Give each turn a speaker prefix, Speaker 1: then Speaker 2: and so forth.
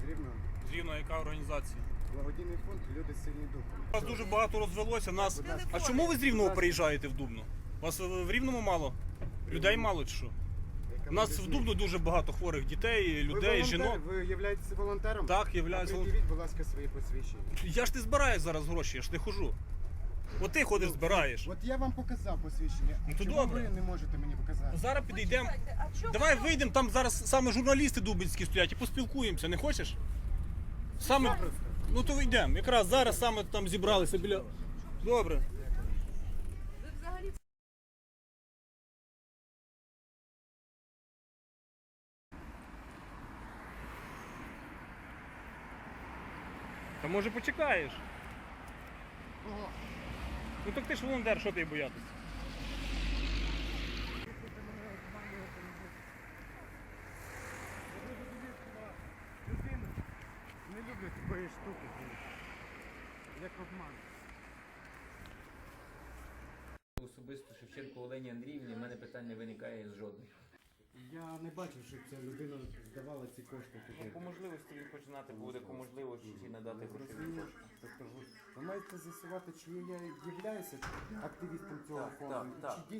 Speaker 1: Рівного.
Speaker 2: З Рівного яка організація?
Speaker 1: Благодійний фонд «Люди сильні духом».
Speaker 2: У вас дуже багато розвелося. Нас... А чому ви з Рівного приїжджаєте в Дубно? У вас в Рівному мало? Людей мало чи що? У нас в Дубно дуже багато хворих дітей, людей, жінок.
Speaker 1: Ви являєтеся волонтером?
Speaker 2: Так, являюсь волонтером.
Speaker 1: Придивіть, будь ласка, свої посвідчення.
Speaker 2: Я ж не збираю зараз гроші, я ж не хожу. От ти ходиш, збираєш.
Speaker 1: От я вам показав посвідчення.
Speaker 2: Ну, то
Speaker 1: чому
Speaker 2: добре.
Speaker 1: ви не можете мені показати?
Speaker 2: Зараз підійдемо. Давай вийдемо, там зараз саме журналісти дубинські стоять і поспілкуємося, не хочеш? Саме... Ну то вийдемо. Якраз зараз саме там зібралися біля... Добре.
Speaker 3: Ви взагалі
Speaker 2: Та може почекаєш?
Speaker 1: Ого.
Speaker 2: Ну так ти ж волонтер, що ти боятися?
Speaker 1: Не люблю такої штуки. Як обман.
Speaker 4: Особисто Шевченко Олені Андріївні в мене питань не виникає з жодних.
Speaker 1: Я не бачив, щоб ця людина здавала ці кошти.
Speaker 4: По можливості він починати буде, по можливості надати грошові
Speaker 1: Розумію.
Speaker 4: кошти.
Speaker 1: Тобто ви маєте з'ясувати, чи я являюся активістом цього
Speaker 4: Так,
Speaker 1: фонду,
Speaker 4: так,
Speaker 1: чи
Speaker 4: так.